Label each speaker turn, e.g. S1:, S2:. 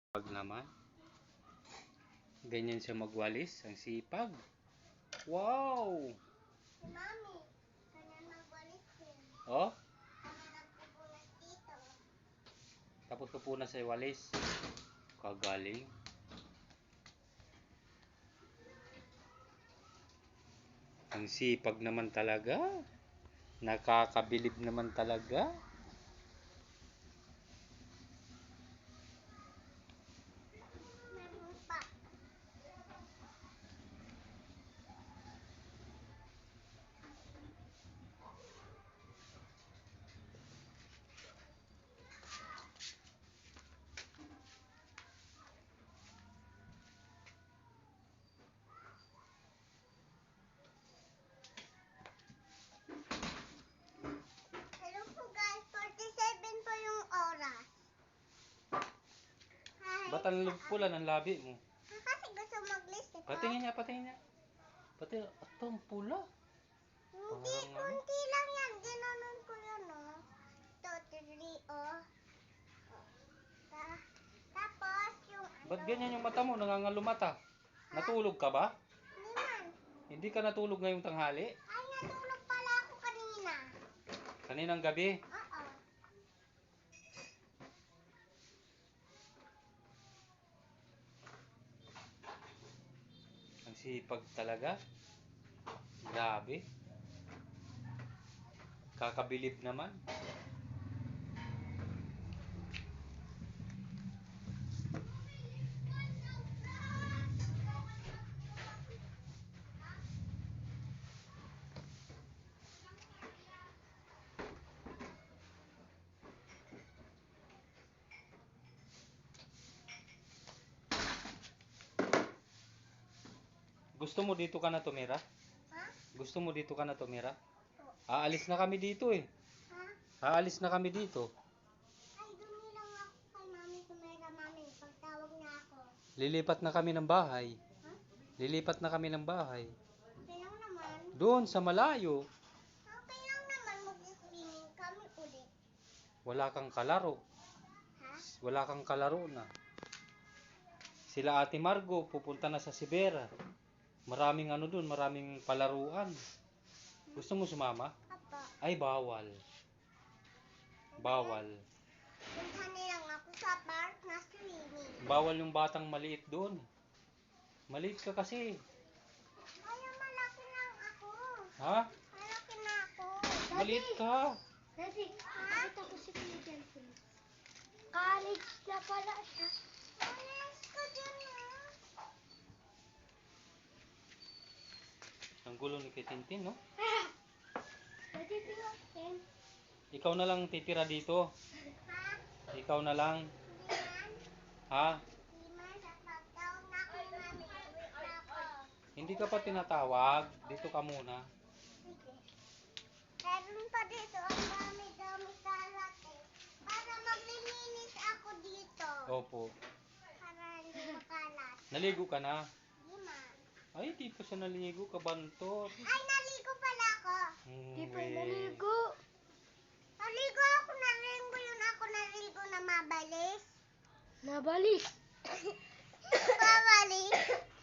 S1: Pag naman, ganyan siya magwalis, ang sipag. Wow!
S2: Si Mami, kanya magwalis din.
S1: Oh,
S2: Kami nagpupunas dito.
S1: tapos pupunas sa walis. Kagaling. Ang sipag naman talaga. Nakakabilib naman talaga.
S2: Meron pa. Hello po guys, 47 po yung oras. Hi.
S1: Ba't ang pula ng labi mo?
S2: Kasi gusto mag-list ito.
S1: Patingin niya, patingin niya. Pati, ito ang pula.
S2: Hindi,
S1: Parang ano?
S2: kunti lang yan. Ginanon ko yan, oh. Ito, 3, oh. Tapos, yung ano.
S1: Ba't ganyan yung mata mo? Nangangalo mata. Natulog ka ba?
S2: Hindi man.
S1: Hindi ka natulog ngayong tanghali?
S2: Ay, natulog pala ako kanina.
S1: Kaninang gabi?
S2: Oo.
S1: Ang sipag talaga. Grabe. Kakabilib naman. Gusto mo dito ka na tumira?
S2: Ha?
S1: Gusto mo dito ka na tumira?
S2: Oo.
S1: Aalis na kami dito eh.
S2: Ha?
S1: Aalis na kami dito.
S2: Ay, dumilang ako kay Mami Tumera, Mami. Pagtawag niya ako.
S1: Lilipat na kami ng bahay.
S2: Ha?
S1: Lilipat na kami ng bahay.
S2: Okay lang naman.
S1: Doon sa malayo.
S2: Okay lang naman. Mag-swimming kami ulit.
S1: Wala kang kalaro.
S2: Ha?
S1: Wala kang kalaro na. Sila Ate Margo pupunta na sa Sibera. Maraming ano doon, maraming palaruan. Gusto mo sumama?
S2: Apa.
S1: Ay, bawal. Bawal.
S2: Punta nilang ako sa park na swimming.
S1: Bawal yung batang maliit doon. Maliit ka kasi.
S2: Ay, malaki lang ako.
S1: Ha?
S2: Malaki na ako.
S1: Maliit ka.
S2: Daddy, nakita ko si Kuya Jensen. College na pala siya. College ka dyan,
S1: Ang gulo ni Tintin, no?
S2: Daddy, tingnan.
S1: Ikaw na lang titira dito.
S2: Ha?
S1: Ikaw na lang.
S2: Hindi man.
S1: Ha?
S2: Hindi man. Sa pagtawag na ako ni Mami. Uwi na ako.
S1: Hindi ka pa tinatawag. Dito ka muna.
S2: Sige. Meron pa dito. Ang dami-dami kalat eh. Para maglilinis ako dito.
S1: Opo.
S2: Para hindi makalat.
S1: Naligo ka na?
S2: Hindi man.
S1: Ay, di pa siya naligo. Kabantot.
S2: Ay, naligo pala ako.
S1: Naligo.
S2: Naligo ako. Naligo yun ako. Naligo na mabalis.
S3: Nabalis.
S2: Mabalis.